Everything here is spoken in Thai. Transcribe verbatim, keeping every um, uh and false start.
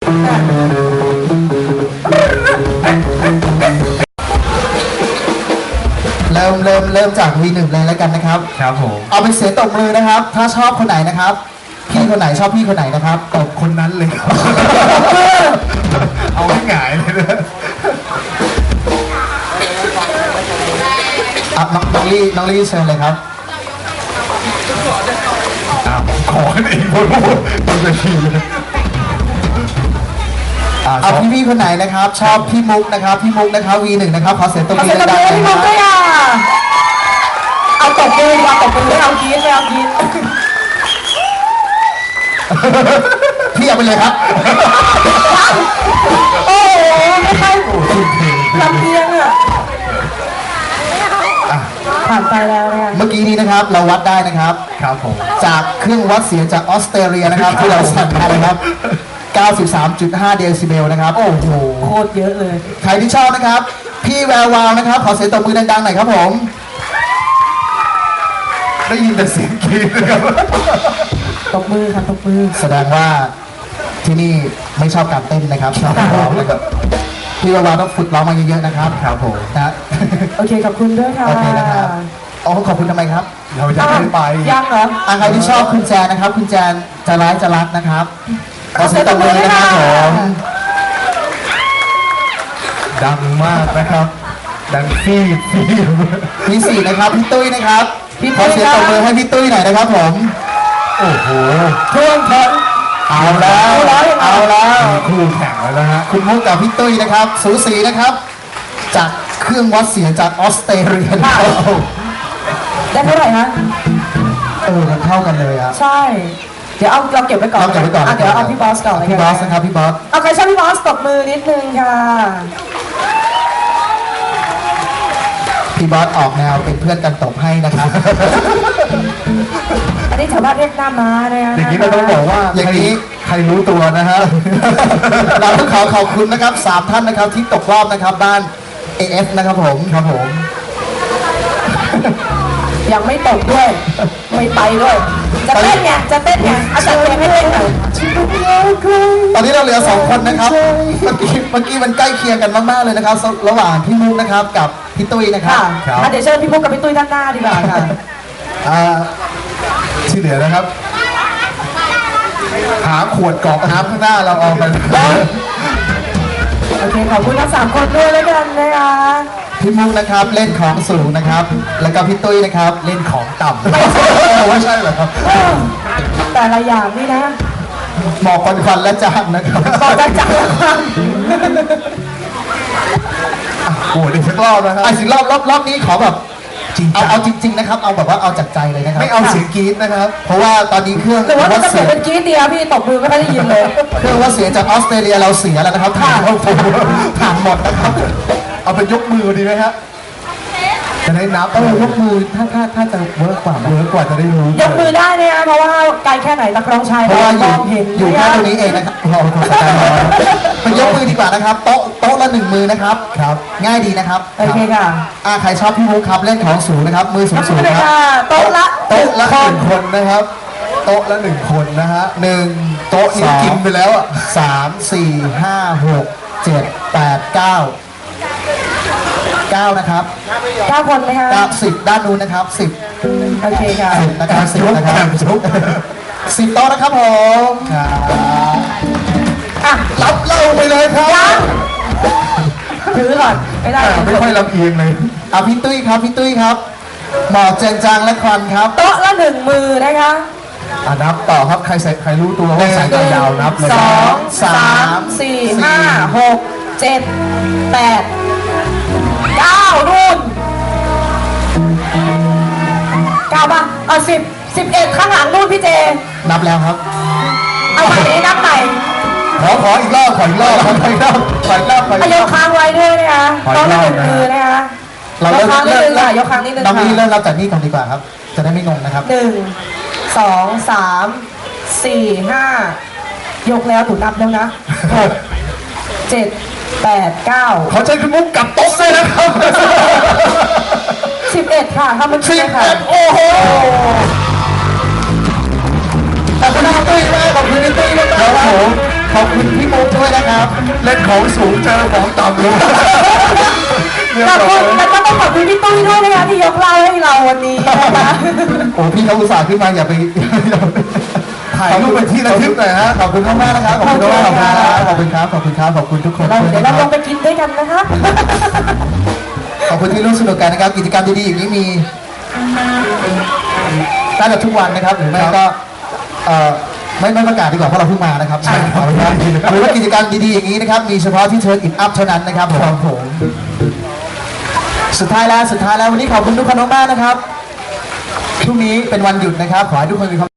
เริ่มเริ่มเริ่มจากวีหนึ่งเลยแล้วกันนะครับครับผมเอาเป็นเสียงตบมือนะครับถ้าชอบคนไหนนะครับพี่คนไหนชอบพี่คนไหนนะครับตบคนนั้นเลยครับเอาให้หงายเลยนะอ่ะน้องน้องลี่น้องลี่เชิญเลยครับขอให้อีกคนพูดมันจะขี้เลยเอาพี่พี่คนไหนนะครับชอบพี่มุกนะครับพี่มุกนะครับวีหนึ่งนะครับขอเสียงตบมือดังๆพี่มุกด้วยอ่ะเอาตบมือมาตบมือไม่เอากีนไม่เอากีนพี่เอาไปเลยครับโอ้โหไม่ใช่ลำเอียงอ่ะผ่านไปแล้วเนี่ยเมื่อกี้นี้นะครับเราวัดได้นะครับครับผมจากเครื่องวัดเสียงจากออสเตรเลียนะครับที่เราสั่งมานะครับ เก้าสิบสามจุดห้า เดซิเบลนะครับโอ้โหโคตรเยอะเลยใครที่ชอบนะครับพี่แวววาวนะครับขอเสียงตบมือดังๆหน่อยครับผมได้ยินแต่เสียงกรี๊ดนะครับตบมือค่ะตบมือแสดงว่าที่นี่ไม่ชอบการเต้นนะครับชอบการร้องนะครับพี่แวววาวต้องฝึกร้องมาเยอะๆนะครับครับผมนะโอเคขอบคุณด้วยค่ะโอเคนะครับอ๋อขอบคุณทำไมครับเราจะไม่ไปยังเหรออ่ะใครที่ชอบคุณแจนนะครับคุณแจนจะร้ายจะรักนะครับขอเสียงตบมือนะครับผมดังมากนะครับดังฟีดฟีดพี่สี่นะครับพี่ตุ้ยนะครับขอเสียงตบมือให้พี่ตุ้ยหน่อยนะครับผมโอ้โหท่วงท้นเอาแล้วเอาแล้วคู่แข่งแล้วนะฮะคุณมุกกับพี่ตุ้ยนะครับสูสีนะครับจากเครื่องวัดเสียงจากออสเตรเลียได้เท่าไหร่ฮะเออมันเท่ากันเลยอ่ะใช่เดี๋ยวเอาเราเก็บไว้ก่อนเราเก็บไว้ก่อนเดี๋ยวเอาพี่บอสก่อนเลยพี่บอสนะครับพี่บอสเอาใครชอบพี่บอสตบมือนิดนึงค่ะพี่บอสออกแนวเป็นเพื่อนกันตบให้นะครับอันนี้ชาวบ้านเรียกหน้าม้าเลยนะอย่างนี้เราต้องบอกว่าอย่างนี้ใครรู้ตัวนะฮะเราต้องขอขอบคุณนะครับสามท่านนะครับที่ตกรอบนะครับบ้าน เอ เอฟ นะครับผมครับผมยังไม่ตกด้วยไม่ไปด้วยจะเต้นไงจะเต้นไงเอาจัดเพลงให้เต้นหน่อยตอนนี้เราเหลือสองคนนะครับเมื่อกี้เมื่อกี้มันใกล้เคียงกันมากๆเลยนะครับระหว่างพี่มุกนะครับกับพี่ตุ้ยนะครับเดี๋ยวเชิญพี่มุกกับพี่ตุ้ยด้านหน้าดีกว่าค่ะที่เหลือนะครับหาขวดกรอกน้ำข้างหน้าเราเอาไปโอเคขอบคุณทั้งสามคนด้วยแล้วกันนะคะพี่มุกนะครับเล่นของสูงนะครับแล้วก็พี่ตุ้ยนะครับเล่นของต่ำไม่ใช่เหรอครับแต่ละอย่างนี่นะหมอกควันควันและจางนะครับหมอกจางและจางโอ้ยอีกสักรอบนะครับอีกสักรอบรอบรอบนี้ขอแบบเอาเอาจริงๆนะครับเอาแบบว่าเอาจากใจเลยนะครับไม่เอาเสียงกรี๊ดนะครับเพราะว่าตอนนี้เครื่องหรือว่าจะเสียงเป็นกรี๊ดเดียวพี่ตบมือไม่ค่อยได้ยินเลยเครื่องว่าเสียงจากออสเตรเลียเราเสียแล้วนะครับถ่านเราถ่านหมดนะครับเอาไปยกมือดีไหมฮะจะได้นับเออยกมือถ้าถ้าถ้าจะเวิร์กกว่าเวิร์กกว่าจะได้รู้ยกมือได้เนี่ยเพราะว่าไกลแค่ไหนนักร้องชายเพราะว่าอยู่อยู่แค่ตรงนี้เองนะครับเราทำสกายน้อยไปยกมือดีกว่านะครับโต๊ะโต๊ะละหนึ่งมือนะครับครับง่ายดีนะครับโอเคค่ะอ่าใครชอบพี่มุกครับเล่นของสูงนะครับมือสูงสูงครับโต๊ะละโต๊ะละหนึ่งคนนะครับโต๊ะละหนึ่งคนนะฮะหนึ่งโต๊ะนี้กินไปแล้วอ่ะสามสี่ห้าหกเจ็ดแปดเก้าเก้านะครับเก้าคนไหมคะเก้าสิบด้านนู้นนะครับสิบโอเคค่ะสิบนะครับสิบนะครับสิบโต๊ะนะครับผมอ่ะรับเล่าไปเลยครับถือก่อนไม่ได้ไม่ค่อยลำเอียงเลยอ่ะพี่ตุ้ยครับพี่ตุ้ยครับหมอกเจนจางและควันครับโต๊ะละหนึ่งมือนะคะอ่ะนับต่อครับใครใส่ใครรู้ตัวว่าสายตายาวนับเลยสองสามสี่ห้าหกเจ็ดแปดเก้านู่นเก้าป่ะเอาสิบสิบเอ็ดข้างหลังนู่นพี่เจนับแล้วครับเอาใหม่นี้นับใหม่ขอขออีกรอบขออีกรอบขออีกรอบขออีกรอบขออีกรอบยกค้างไว้ด้วยนะคะต้องหนึ่งมือนะคะเราเริ่มเริ่มค่ะยกค้างนิดนึงค่ะน้องนี่เริ่มรับจากนี่ก่อนดีกว่าครับจะได้ไม่งงนะครับหนึ่งสองสามสี่ห้ายกแล้วถูกนับแล้วนะหกเจ็ดแปดเก้าเขาใช้คุณมุกกับโต๊ะเลยนะครับสิบเอ็ดค่ะถ้ามันสิบเอ็ดโอ้โหขอบคุณพี่ตุ้ยมากขอบคุณพี่ตุ้ยมากครับผมขอบคุณพี่มุกด้วยนะครับเล่นของสูงเจอของต่ำลงเรียบขอบร้คุอณยแล้วก็ต้องขอบคุณพี่ตุ้ยด้วยนะคะที่ยกเหล่าให้เราวันนี้นะคะโอ้พี่เขาอุตส่าห์ขึ้นมาอย่าไปอย่าไปถ่ายรูปเป็นที่ระลึกหน่อยฮะขอบคุณมากมากๆนะครับขอบคุณมากๆขอบคุณครับขอบคุณครับขอบคุณทุกคนเราเดี๋ยวเรานะคลรังบไปกินด้วยกันนะคะขอบคุณที่ร่วมสนุกกันนะครับกิจกรรมดีๆอย่างนี้มีน่าจะทุกวันนะครับหรือไม่ก็เอ่อไม่ไม่ประกาศดีกว่าเพราะเราเพิ่งมานะครับใช่ครับหรือว่ากิจกรรมดีๆอย่างนี้นะครับมีเฉพาะที่เชิญอินอัพเท่านั้นนะครับผมผมสุดท้ายแล้วสุดท้ายแล้ววันนี้ขอบคุณทุกคนมากๆนะครับพรุ่งนี้เป็นวันหยุดนะครับขอให้ทุกคนมีความ